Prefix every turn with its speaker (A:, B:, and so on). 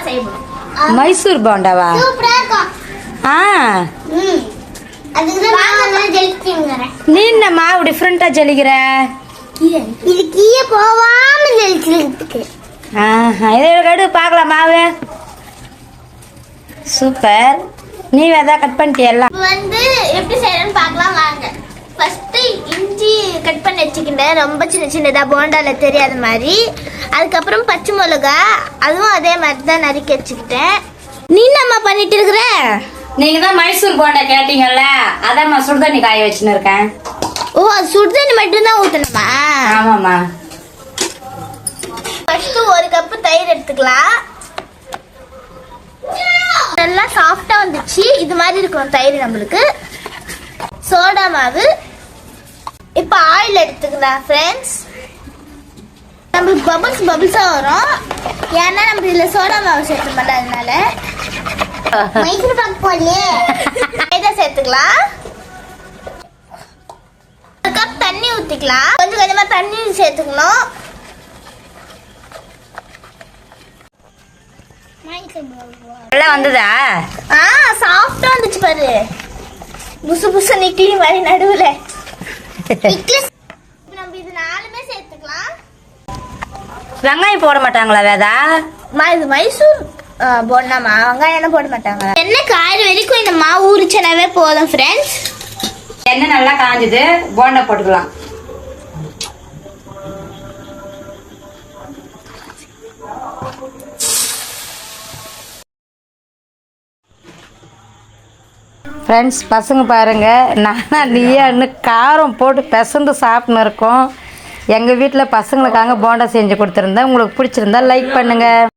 A: செய்யணும்.
B: மைசூர் போண்டாவா? ஆ நீ என்ன மாவு டிஃப்ரெண்டா ஜலிக்கிற?
C: இது கீழே போவாம ஜலிக்கிறதுக்கு.
B: இதை கடு பார்க்கலாம் மாவு. சூப்பர். நீ எதாவது கட் பண்ணிட்டியல்ல?
A: வந்து எப்படி செய்யறேன்னு பார்க்கலாம் வாங்க. ஃபர்ஸ்ட் இஞ்சி கட் பண்ணி வச்சுக்கிட்டேன், ரொம்ப சின்ன சின்னதா போண்டால தெரியாத மாதிரி. அதுக்கப்புறம் பச்சை மிளகா, அதுவும் அதே மாதிரி தான் நறுக்கி வச்சுக்கிட்டேன். நீ என்னம்மா பண்ணிட்டு இருக்கிற?
B: நீங்க தான் மைசூர் போண்டா கேட்டீங்கல்ல, அதான் சுடுதண்ணி காய வச்சுன்னு இருக்கேன்.
A: ஓ, சுடுதண்ணி மட்டும் தான் ஊத்தணுமா?
B: ஆமாம்மா.
A: ஃபர்ஸ்ட் ஒரு கப்பு தயிர் எடுத்துக்கலாம். நல்லா சாஃப்டா வந்துச்சு. இது மாதிரி இருக்கும் தயிர் நம்மளுக்கு. சோடா மாவு. இப்போ ஆயில் எடுத்துக்கலாம் ஃப்ரெண்ட்ஸ். நம்மளுக்கு பபிள்ஸா வரும், ஏன்னா நம்ம இதுல சோடா மாவு சேர்த்து அதனால.
C: மைசூர் பாக்கு போடலையே.
A: இதை சேர்த்துக்கலாம். ஒரு கப் தண்ணி ஊத்திக்கலாம். கொஞ்சம் கொஞ்சமா தண்ணி சேர்த்துக்கணும்.
B: நல்லா வந்ததா?
A: சாஃப்டா வந்துச்சு பாரு. புசு புசு நிக்கலி மாதிரி நடுவுல. நம்ம இது நாலுமே சேர்த்துக்கலாம்.
B: வெங்காயம் போட மாட்டாங்களா வேதா?
A: இது மைசூர் போடலாமா? வெங்காயம் என்ன போட மாட்டாங்க. எண்ணெய் காயிற வரைக்கும் இந்த மாவு ஊறிச்சனாவே போதும் ஃப்ரெண்ட்ஸ்.
B: எண்ணெய் நல்லா காஞ்சது, போண்டா போட்டுக்கலாம். ஃப்ரெண்ட்ஸ், பசங்க பாருங்கள், நானா நீயான்னு காரம் போட்டு பிசந்து சாப்பிட்னு இருக்கோம். எங்கள் வீட்டில் பசங்களுக்காக போண்டா செஞ்சு கொடுத்துருந்தேன். உங்களுக்கு பிடிச்சிருந்தா லைக் பண்ணுங்கள்.